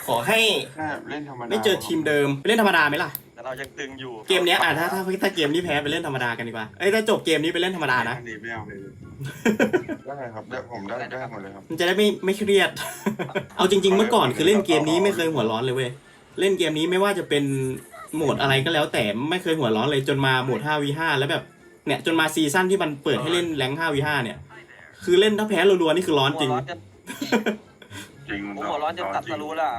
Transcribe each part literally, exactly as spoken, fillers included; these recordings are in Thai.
ขอให้เล่นธรรมดาไม่เจอทีมเดิมไปเล่นธรรมดาไหมล่ะแต่เรายังตึงอยู่เกมนี้อ่ะถ้าถ้าถ้าเกมนี้แพ้ไปเล่นธรรมดากันดีกว่าเอ้ยถ้าจบเกมนี้ไปเล่นธรรมดานะไม่เอาเลยได้ครับได้ผมได้ได้หมดเลยครับมันจะได้ไม่ไม่เครียด เอาจริงๆเมื่อก่อนคือเล่นเกมนี้ไม่เคยหัวร้อนเลยเว้ยเล่นเกมนี้ไม่ว่าจะเป็นโหมดอะไรก็แล้วแต่ไม่เคยหัวร้อนเลยจนมาโหมด ห้า วี ห้า แล้วแบบเนี่ยจนมาซีซั่นที่มันเปิดให้เล่นแรงค์ ห้า วี ห้า เนี่ยคือเล่นถ้าแพ้รัวๆนี่คือร้อนจริงจริงผมหัวร้อนจนตัดสรู้ล่ะ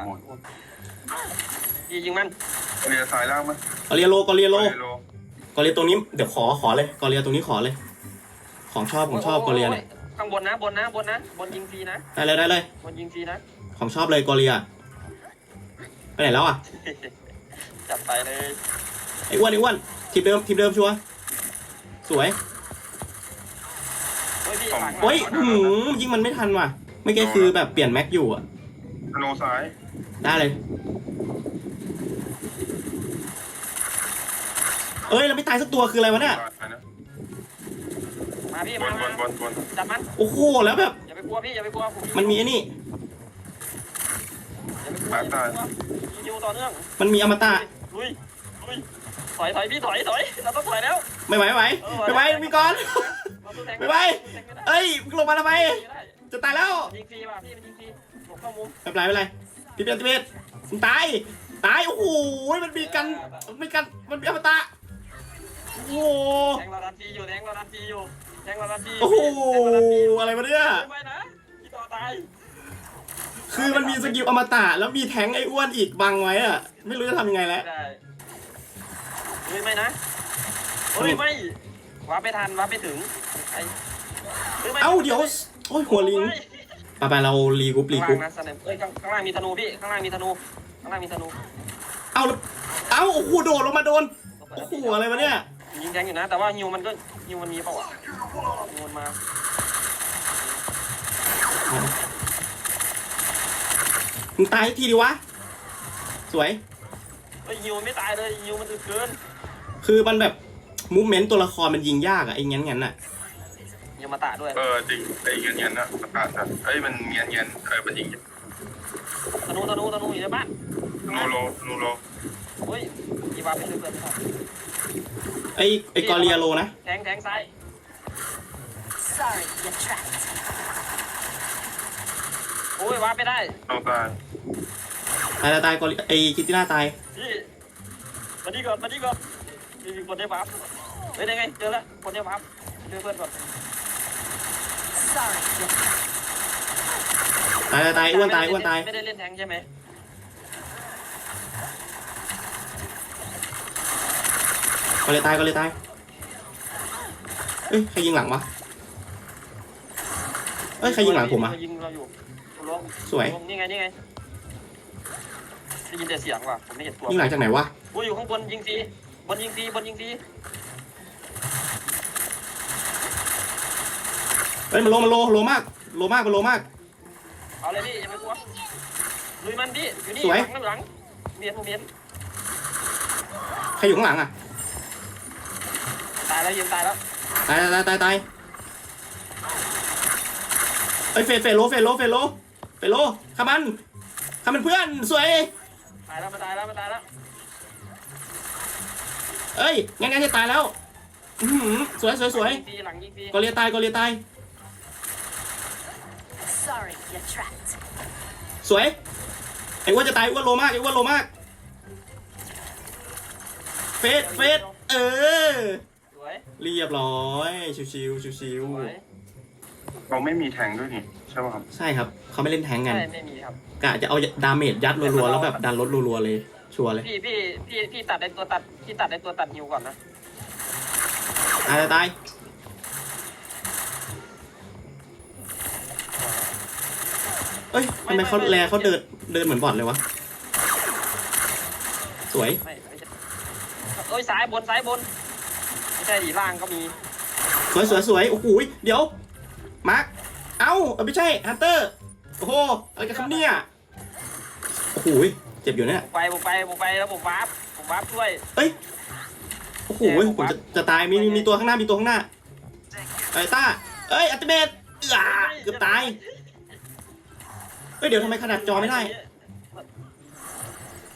ยิงมันกอเรียสายล่างมั้ยกอเรียโลกอเรียโลกอเรียตรงนี้เดี๋ยวขอขอเลยกอเรียตรงนี้ขอเลยของชอบผมชอบกอเรียเนี่ยข้างบนนะบนนะบนนะบนยิงฟรีนะได้เลยได้เลยบนยิงฟรีนะของชอบเลยกอเรียไปไหนแล้วอ่ะจัดไปเลยไอ้อ้วนไอ้อ้วนทีมเดิมทีมเดิมชัวร์สวยโอ้ยหืมยิงมันไม่ทันว่ะไม่แค่คือแบบเปลี่ยนแม็กอยู่อ่ะโนซ้ายได้เลยเอ้ยเราไม่ตายสักตัวคืออะไรวะเนี่ยมาพี่มาจับมันโอ้โหแล้วแบบอย่าไปกลัวพี่อย่าไปกลัวมันมีไอ้นี่อย่าไปกลัวยิงต่อเนื่องมันมีอมตะลุยลุยถอยถอยพี่ถอยถอยเราต้องถอยแล้วไม่ไหวไม่ไหวไม่ไหวมีก่อนไม่ไหวเอ้ยลงมาทำไมจะตายแล้วยิงฟรีว่ะพี่มันยิงฟรีหลบเข้ามุมไม่เป็นไรไม่เป็นไรพี่เบียร์พี่เบียร์มันตายตายโอ้โหมันมีกันมีกันมันมีอมตะโอ้โหแทงเราดันฟรีอยู่แทงเราดันฟรีอยู่แทงเราดันฟรีโอ้โหอะไรมาเนี่ยไม่นะพี่ต่อตายคือมันมีสกิลอมตะแล้วมีแทงไอ้อ้วนอีกบังไว้อะไม่รู้จะทำยังไงแล้วเฮ้ยไม่นะเฮ้ยไม่วาร์ปไม่ทันวาร์ปไม่ถึงไอ้เอ้าเดี๋ยวโอ้ยหัวลิงไปไปเรารีกุ๊ปรีกุ๊ปเอ้ยข้างล่างมีธนูพี่ข้างล่างมีธนูข้างล่างมีธนูเอ้าเอ้าโอ้โหโดดลงมาโดนโอ้โหอะไรวะเนี่ยยิงแทงอยู่นะแต่ว่าฮิวมันก็ฮิวมันมีเปล่าอ่ะฮิวมันมามึงตายทีดิวะสวยไอ้ฮิวไม่ตายเลยฮิวมันอึดเกินคือมันแบบมูฟเมนต์ตัวละครมันยิงยากอะไอ้งั้นงั้นอะยิงมาตาด้วยเออจริงไอ้เงี้ยเงี้ยนะมาตาสัตว์ไอ้มันเงี้ยเงี้ยเออมันยิงธนูธนูธนูอยู่ในบ้านโนโลโนโลโอ้ยอีวาเป็นเกินครับไอ้ไอ้กอเรียโลนะแทงแทงซ้าย sorry you trapped โอ้ยวาไปได้ต้องตายตายตายกอเรียไอ้คิตติน่าตายพี่มาดีก่อนมาดีก่อนมีคนได้ปั๊บเฮ้ยได้ไงเจอแล้วคนได้ปั๊บเจอเพื่อนก่อน sorry ตายตายอ้วนตายอ้วนตายไม่ได้เล่นแทงใช่ไหมก็เลยตายก็เลยตายเอ้ยใครยิงหลังวะเอ้ยใครยิงหลังผมอ่ะยิงเราอยู่สวยนี่ไงนี่ไงได้ยินแต่เสียงว่ะผมไม่เห็นตัวยิงหลังจากไหนวะกูอยู่ข้างบนยิงฟรีบนยิงฟรีบนยิงฟรีเฮ้ยมันโลมันโลโลมากโลมากมันโลมากเอาเลยพี่อย่าไปกลัวลุยมันดิอยู่นี่หลังหลังเมียนเมียนใครอยู่ข้างหลังอ่ะตายแล้วยิงตายแล้วตายตายตายตายเอ้ยเฟดเฟดโลเฟดโลเฟดโลเฟดโลขามันขามันเพื่อนสวยตายแล้วมาตายแล้วมาตายแล้วเอ้ยงั้นงั้นจะตายแล้วสวยสวยสวยกอเลียตายกอเลียตายสวยไอ้ว่าจะตายว่าโลมากไอ้ว่าโลมากเฟดเฟดเออเรียบร้อยชิวชิวชิวชิวเราไม่มีแทงด้วยนี่ใช่ป่ะครับใช่ครับเขาไม่เล่นแทงกันใช่ไม่มีครับกะจะเอาดาเมจยัดรัวๆแล้วแบบดันรถรัวๆเลยชัวร์เลยพี่พี่พี่พี่ตัดในตัวตัดพี่ตัดในตัวตัดฮิวก่อนนะตายตายเอ้ยทำไมเขาแลเขาเดินเดินเหมือนบอทเลยวะสวยเอ้ยซ้ายบนซ้ายบนไม่ใช่ล่างก็มีสวยสวยสวยโอ้โหเดี๋ยวมาร์คเอ้าไม่ใช่ฮันเตอร์โอ้โหอะไรกันครับเนี่ยโอ้โหเจ็บอยู่เนี่ยไปผมไปผมไปแล้วผมวาร์ปผมวาร์ปช่วยเอ้ยโอ้โหผมจะจะตายมีมีตัวข้างหน้ามีตัวข้างหน้าไอ้ต้าเอ้ยอัลติเมทเกือบตายเฮ้ยเดี๋ยวทำไมขนาดจอไม่ได้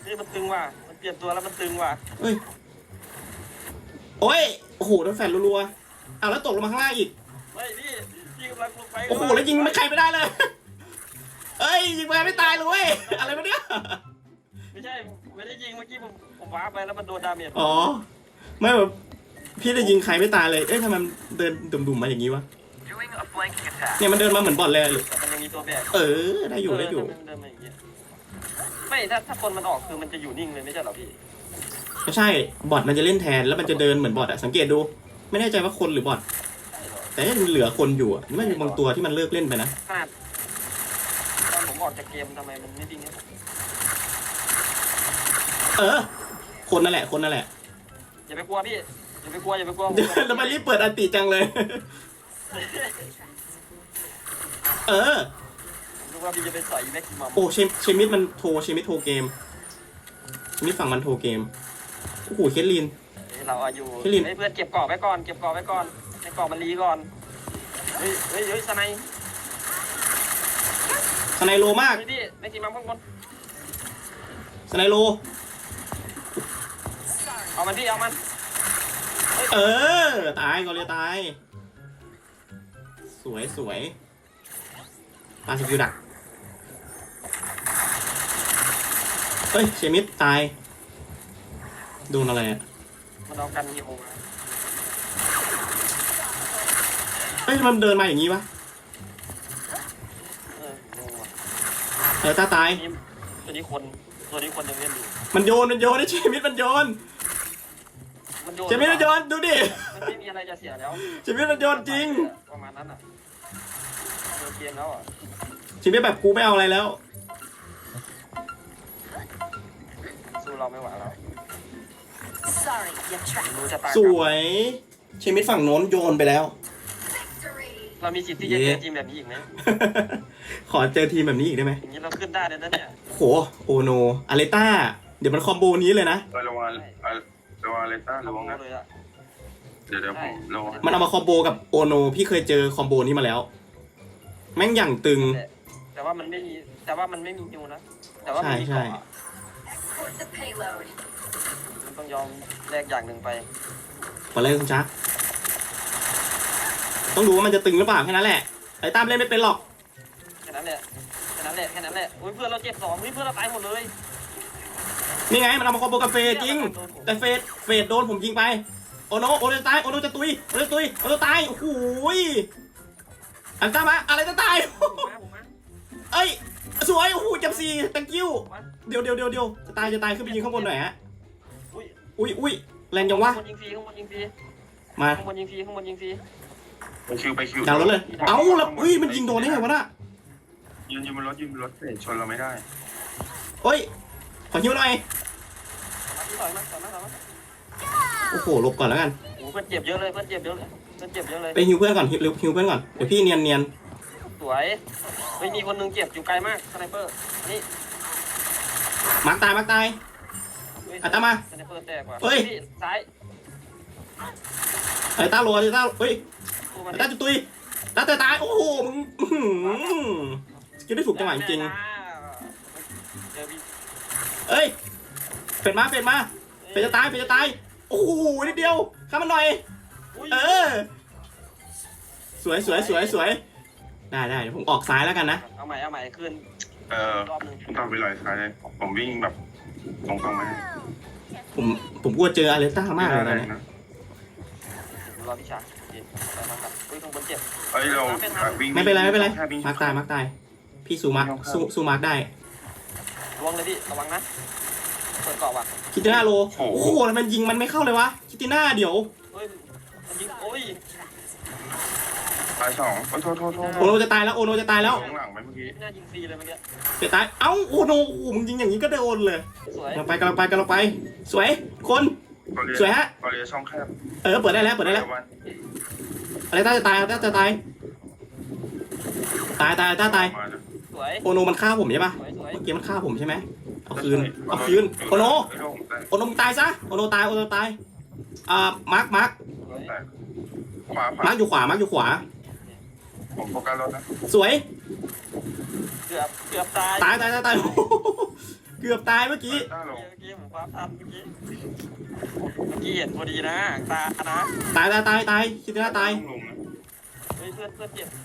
นี่มันตึงว่ะมันเปลี่ยนตัวแล้วมันตึงว่ะเฮ้ยโอ้ยโอ้โหโดนแฟนรัวๆเอาแล้วตกลงมาข้างล่างอีกเฮ้ยพี่พี่กำลังลงไปโอ้โหแล้วยิงไม่ใครไม่ได้เลยเอ้ยยิงไปไม่ตายเลยเว้ยอะไรวะเนี่ยไม่ใช่ไม่ได้ยิงเมื่อกี้ผมผมว้าไปแล้วมันโดนดาเมจอ๋อไม่แบบพี่ได้ยิงใครไม่ตายเลยเอ๊ะทำไมมันเดินดุ่มๆมาอย่างนี้วะเนี่ยมันเดินมาเหมือนบอทเลยแต่มันยังมีตัวแบกเออได้อยู่ได้อยู่เเดินมาอย่างเงี้ยไม่ถ้าถ้าคนมันออกคือมันจะอยู่นิ่งเลยไม่ใช่เหรอพี่ไม่ใช่บอทมันจะเล่นแทนแล้วมันจะเดินเหมือนบอทอะสังเกตดู ไม่แน่ใจว่าคนหรือบอทใช่เหรอแต่ยังเหลือคนอยู่อะไม่มีบางตัวที่มันเลิกเล่นไปนะขนาดตอนผมออกจากเกมทำไมมันไม่ดิ้งให้ผมเออ คนนั่นแหละคนนั่นแหละอย่าไปกลัวพี่อย่าไปกลัวอย่าไปกลัวเดี๋ยวแล้วมันรีบเปิดอันติจังเลย เออรู้ว่าพี่จะไปใส่แม็กซิมัมโอ้เชมเชมิดมันโทรเชมิดโทรเกมเชมิดฝั่งมันโทรเกมโอ้โหเคทลินเราอายุพี่ลินเฮ้ยเพื่อนเก็บกรอบไว้ก่อนเก็บกรอบไว้ก่อนให้กรอบมันรีก่อนเฮ้ยเฮ้ยเฮ้ยสไนด์สไนโลมากเฮ้ยพี่แม็กซิมัมข้างบนสไนโลเอามันพี่เอามันเออตายกอเรียตาย สวยสวยปาสกิลดักเฮ้ยเชมิดตายโดนอะไรอ่ะมันเอากันยิงมาเฮ้ยมันเดินมาอย่างนี้วะเอองงว่ะเออตาตายนี่ตัวนี้คนตัวนี้คนยังเล่นอยู่มันโยนมันโยนไอ้เชมิดมันโยนมันโยนเชมิดมันโยนดูดิมันไม่มีอะไรจะเสียแล้วเชมิดมันโยนจริงประมาณนั้นอ่ะโดนเกมแล้วอ่ะเชมิดแบบกูไม่เอาอะไรแล้วสู้เราไม่ไหวแล้ว Sorry, you trapped. รู้จะตายสวยเชมิดฝั่งโน้นโยนไปแล้วเรามีสิทธิ์ที่จะเจอทีมแบบนี้อีกไหมขอเจอทีมแบบนี้อีกได้ไหมอย่างนี้เราขึ้นได้เลยนะเนี่ยโหโอโนอาเลต้าเดี๋ยวมันคอมโบนี้เลยนะเออระวังอ่ะระวังเลต้าระวังนะเลยอะเดี๋ยวเดี๋ยวผมระวังมันเอามาคอมโบกับโอโนพี่เคยเจอคอมโบนี้มาแล้ว แม่งอย่างตึงแต่ว่ามันไม่มีแต่ว่ามันไม่มีฮิวนะแต่ว่ามันมีใช่เกาะ Put the payload. มันต้องยอมแลกอย่างหนึ่งไปขอเล่นคุณชักต้องดูว่ามันจะตึงหรือเปล่าแค่นั้นแหละไอ้ตามเล่นไม่เป็นหรอกแค่นั้นแหละแค่นั้นแหละแค่นั้นแหละอุ้ยเพื่อนเราเจ็บสองอุ้ยเพื่อนเราตายหมดเลยนี่ไงมันเอามาคอมโบกับเฟดจริง แต่เฟดเฟดโดนผมยิงไปโอโนโอโนจะตายโอโนจะตุยโอโนจะตุยโอโนตายโอ้โหยอันตามมาอะไรจะตายผมมาผมมาเอ้ยสวยโอ้โหจับสี่ thank you ผมมาเดี๋ยวเดี๋ยวเดี๋ยวเดี๋ยวจะตายจะตายขึ้นไปยิงข้างบนหน่อยฮะอุ้ยอุ้ยอุ้ยแรงจังวะข้างบนยิงฟรีข้างบนยิงฟรีมาข้างบนยิงฟรีข้างบนยิงฟรีไปคิวไปคิวดาวรถเลยเอ้าแล้วเฮ้ยมันยิงโดนได้ไงวะน่ะยืนยืนบนรถยืนบนรถเตะชนเราไม่ได้เฮ้ยขอฮิวหน่อยมาที่ต่อยมาต่อยมาต่อยมาโอ้โหหลบก่อนแล้วกันโอ้เพื่อนเจ็บเยอะเลยเพื่อนเจ็บเยอะเลยเพื่อนเจ็บเยอะเลยไปฮิวเพื่อนก่อนฮิวเร็วฮิวเพื่อนก่อนเดี๋ยวพี่เนียนเนียนสวยเฮ้ยมีคนหนึงเจ็บอยู่ไกลมากสไนเปอร์นี่มาร์กตายมาร์กตายเฮ้ยอ่ะตามมาสไนเปอร์แตกว่ะเฮ้ยพี่ซ้ายไอ้ตาโรไอ้ตาเฮ้ยสู้มันไอ้ตาจุดตุยตาเตะตายโอ้โหมึงอื้อหือคิดได้ถูกจังหวะจริงเจอพี่ๆเอ้ยเป็ดมาเป็ดมาเป็ดจะตายเป็ดจะตายโอ้โหนิดเดียวข้ามมันหน่อยอุ้ยเออ สวยสวยสวยสวยได้ได้เดี๋ยวผมออกซ้ายแล้วกันนะเอาใหม่เอาใหม่ขึ้นเออรอบหนึงต้องไปลอยซ้ายเลยผมวิ่งแบบตรงๆมาผมผมกลัวเจออาเลต้ามากเลยแรนะงเนี่ยนะรอพี่ชาโอเคไปมาครับอุ้ยข้างบนเจ็บเอ้ยเราวิ่งไม่เป็นไรไม่เป็นไรแค่วิ่งมาร์กตายมาร์กตายพี่สู้มาร์กสู้สู้มาร์กได้ลวงเลยพี่ระวังนะเปิดเกาะว่ะคิติน่าโลโอ้โหแล้วมันยิงมันไม่เข้าเลยวะคิติน่าเดี๋ยวเฮ้ยมันยิงโอ้ยตายสองโอ้ยโทษโทษโทษโอโนจะตายแล้วโอโนจะตายแล้วข้างหลังไหมเมื่อกี้น่ายิงฟรีเลยเมื่อกี้จะตายเอ้าโอโนโอ้โหมึงยิงอย่างนี้ก็โดนเลยสวยกำลังไปกำลังไปกำลังไป สวยคนกอเลียสวยฮะกอเลียช่องแคบเออเปิดได้แล้วเปิดได้แล้วอะไรต้าจะตายอะไรต้าจะตายตายตายต้าตายมานะสวยโอโนมันฆ่าผมใช่ปะสวยสวยเมื่อกี้มันฆ่าผมใช่ไหมเอาคืนเอาคืนโอโนโอโนมึงตายซะโอโนตายโอโนตายอ่ามาร์คมาร์คสวยขวาขวามาร์คอยู่ขวามาร์คอยู่ขวาผมโฟกัสรถนะสวยเกือบเกือบตายตายตายตายตายโอ้โหเกือบตายเมื่อกี้ต้าลงเมื่อกี้ผมคว้าทันเมื่อกี้เมื่อกี้เห็นพอดีนะตานะตายตายตายตายคิดว่าตายลงนะเฮ้ยเพื่อนเพื่อนเจ็บ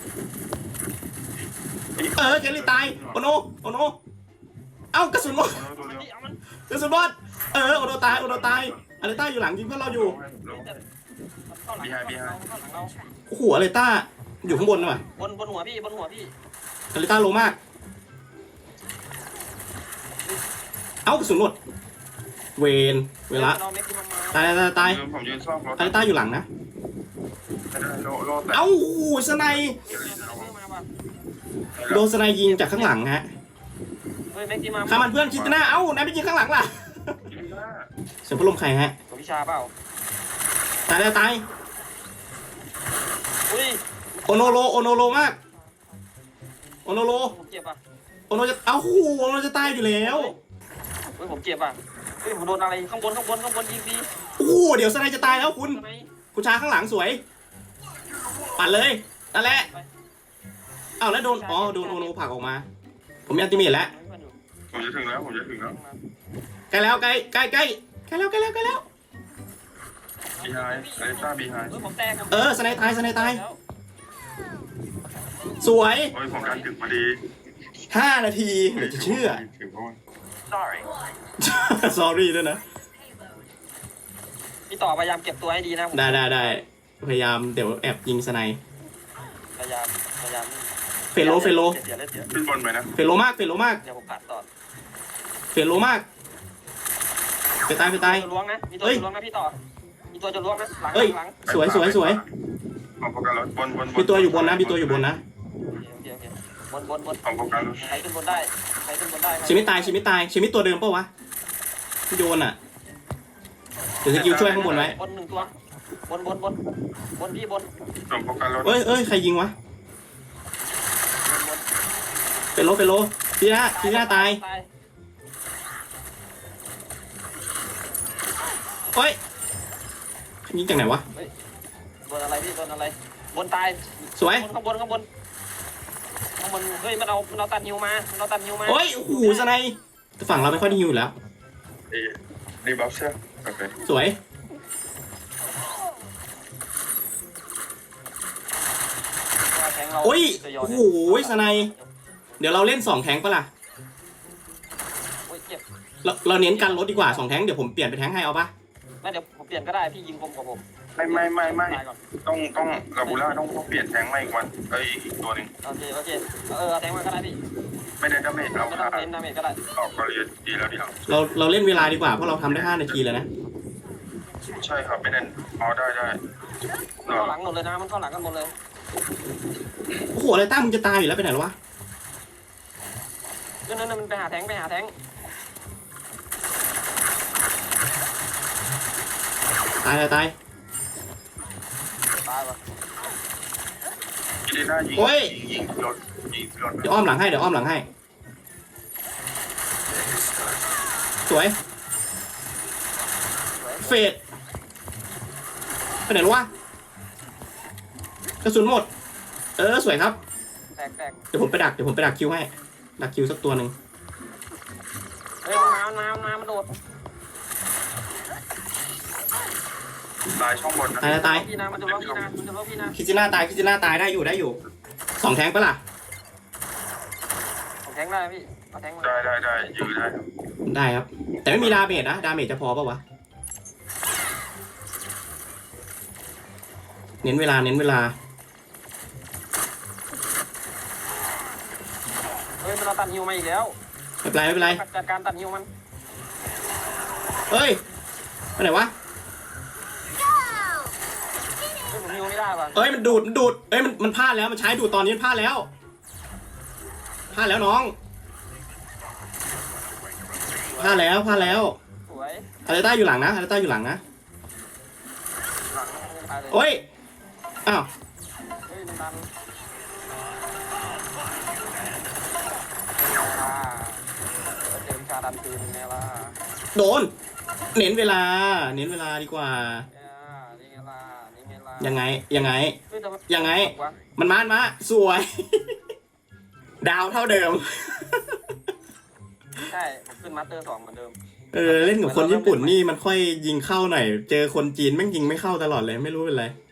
เออเกลลี่ตายโอโนโอโนเอ้ากระสุนหมดเอาตัวเดียวนี่เอามันกระสุนหมดเออโอโนตายโอโนตายอะไรต้าอยู่หลังยิงเพื่อนเราอยู่ลงเข้าหลังเราเข้าหลังเราโอ้โหอะไรต้าอยู่ข้างบนน่ะบนบนหัวพี่บนหัวพี่อะไรต้าโลมากเอ้ากระสุนหมดเวนเวลาเราไม่กินมาตายตายตายยืนผมยืนซ่อมรถอะไรต้าอยู่หลังนะไม่ได้โลโลแต่เอ้าโอ้โหสไนด์มาป่ะโดนสไนด์ยิงจากข้างหลังฮะเฮ้ยแม็กกี้มาข้ามันเพื่อนคิดหน้าเอ้านายไปยิงข้างหลังล่ะเสียงพัดลมใครฮะตัวพิชาเปล่าตายตายตายอุ้ยโอโนโลโอโนโลมากโอโนโลผมเจ็บอ่ะโอโนจะเอ้าโหโอโนจะตายอยู่แล้วเฮ้ยผมเจ็บอ่ะเฮ้ยผมโดนอะไรข้างบนข้างบนข้างบนยิงดีโอ้โหเดี๋ยวสไนด์จะตายแล้วคุณทำไมคุณชาข้างหลังสวยปัดเลยนั่นแหละอ้าวแล้วโดนอ๋อโดนโอโนผลักออกมา ผมมีอัลติเมทแล้วผมจะถึงแล้วผมจะถึงแล้วใกล้แล้วใกล้ใกล้ใกล้ใกล้แล้วใกล้แล้วใกล้แล้วบีไฮไอต้าบีไฮเฮ้ยผมแตกเออสไนด์ตายสไนด์ตายสวยโอ้ยผมการถึงพอดีห้านาทีเหลือจะเชื่อถึงเพราะว่า sorry sorry ด้วยนะพี่ต่อพยายามเก็บตัวให้ดีนะได้ได้ได้พยายามเดี๋ยวแอบยิงสไนด์พยายามพยายามเฟลโลเฟลโลเสียเลือดเสียขึ้นบนไปนะเฟลโลมากเฟลโลมากเดี๋ยวผมกัดต่อเฟลโลมากไปตายไปตายตัวล้วงนะมีตัวจะล้วงนะพี่ต่อมีตัวจะล้วงนะหลังเอ้ยหลังสวยสวยสวยผมโฟกัสรถบนบนมีตัวอยู่บนนะมีตัวอยู่บนนะโอเคโอเคบนบนบนผมโฟกัสรถใครขึ้นบนได้ใครขึ้นบนได้ชิมิตายชิมิตายชิมิตัวเดิมเปล่าวะที่โยนอ่ะเดี๋ยวสกิลช่วยข้างบนไว้บนหนึ่งตัวบนบนบนบนพี่บนผมโฟกัสรถเอ้ยเอ้ยใครยิงวะบนบนเฟลโลเฟลโลทีหน้าทีหน้าตายเอ้ยยิงจากไหนวะบนอะไรพี่บนอะไรบนตายสวยข้างบนข้างบนข้างบนเฮ้ยมันเอามันเอาตัดนิวมามันเอาตัดนิวมาโอ้ยโอ้โหสไนด์ฝั่งเราไม่ค่อยได้ฮิวอยู่แล้วเอรีบัฟเชื่อโอเคสวยแทงเราโอ้ยโอ้โหสไนด์เดี๋ยวเราเล่นสองแทงปะล่ะโอ้ยเจ็บเราเราเน้นกันรถดีกว่าสองแทงเดี๋ยวผมเปลี่ยนไปแทงให้เอาปะไม่เดี๋ยวผมเปลี่ยนก็ได้พี่ยิงคมกว่าผมไม่ไม่ไม่ไม่ตายก่อนต้องต้องลาบูล่าต้องต้องเปลี่ยนแทงใหม่อีกวันเอ้ยอีกตัวหนึ่งโอเคโอเคเออเอาแทงมาก็ได้พี่ไม่ได้ดาเมจเราไม่ต้ค่าองเน้นดาเมจก็ได้ออกก็เลยดีแล้วดีแล้วเราเราเล่นเวลาดีกว่าเพราะเราทำได้ห้านาทีแล้วนะใช่ครับไม่ได้เอาได้ได้มันเข้าหลังหมดเลยนะมันเข้าหลังกันหมดเลยโอ้โหอะไรตั้มมึงจะตายอยู่แล้วไปไหนแล้ววะนั่นนั่นมันไปหาแทงไปหาแทงตายตายตายตายป่ะยิงได้ยิงโอ้ยยิงรถยิงรถเดี๋ยวอ้อมหลังให้เดี๋ยวอ้อมหลังให้สวยเฟดไปไหนแล้ววะกระสุนหมดเออสวยครับแตกแตกเดี๋ยวผมไปดักเดี๋ยวผมไปดักคิวให้ดักคิวสักตัวหนึ่งเฮ้ยมันมามันมามันมามันโดดตายช่องบนนะตายตายตายพี่นะมันจะล้อพี่นะมันจะล้อพี่นะคิจิน่าตายคิจิน่าตายได้อยู่ได้อยู่สองแทงปะล่ะผมแทงได้พี่เอาแทงมาได้ได้ได้ยืดได้ครับได้ครับ แต่ไม่มีดาเมจนะดาเมจจะพอปะวะเน้นเวลาเน้นเวลาเฮ้ยมันเอาตัดฮิวมาอีกแล้วไม่เป็นไรไม่เป็นไรจัดการตัดฮิวมันเฮ้ยไปไหนวะเฮ้ยผมฮิวไม่ได้ป่ะเอ้ยมันดูดมันดูดเอ้ยมันมันพลาดแล้วมันใช้ดูดตอนนี้มันพลาดแล้วพลาดแล้วน้องพลาดแล้วพลาดแล้วสวยอาร์เต้าอยู่หลังนะอาร์เต้าอยู่หลังนะหลังไม่ตายเลยโอ้ยอ้าวเฮ้ยมันดันเจอวิชาดันคืนไงล่ะโดนเน้นเวลาเน้นเวลาดีกว่านี่ไงล่ะนี่ไงล่ะยังไงยังไงเฮ้แต่มันยังไงวะมันมามาสวย ดาวเท่าเดิมใช่ผมขึ้นมาสเตอร์สองเหมือนเดิมเออเล่นกับคนญี่ปุ่นนี่มันค่อยยิงเข้าหน่อย เจอคนจีนแม่งยิงไม่เข้าตลอดเลยไม่รู้เป็นไร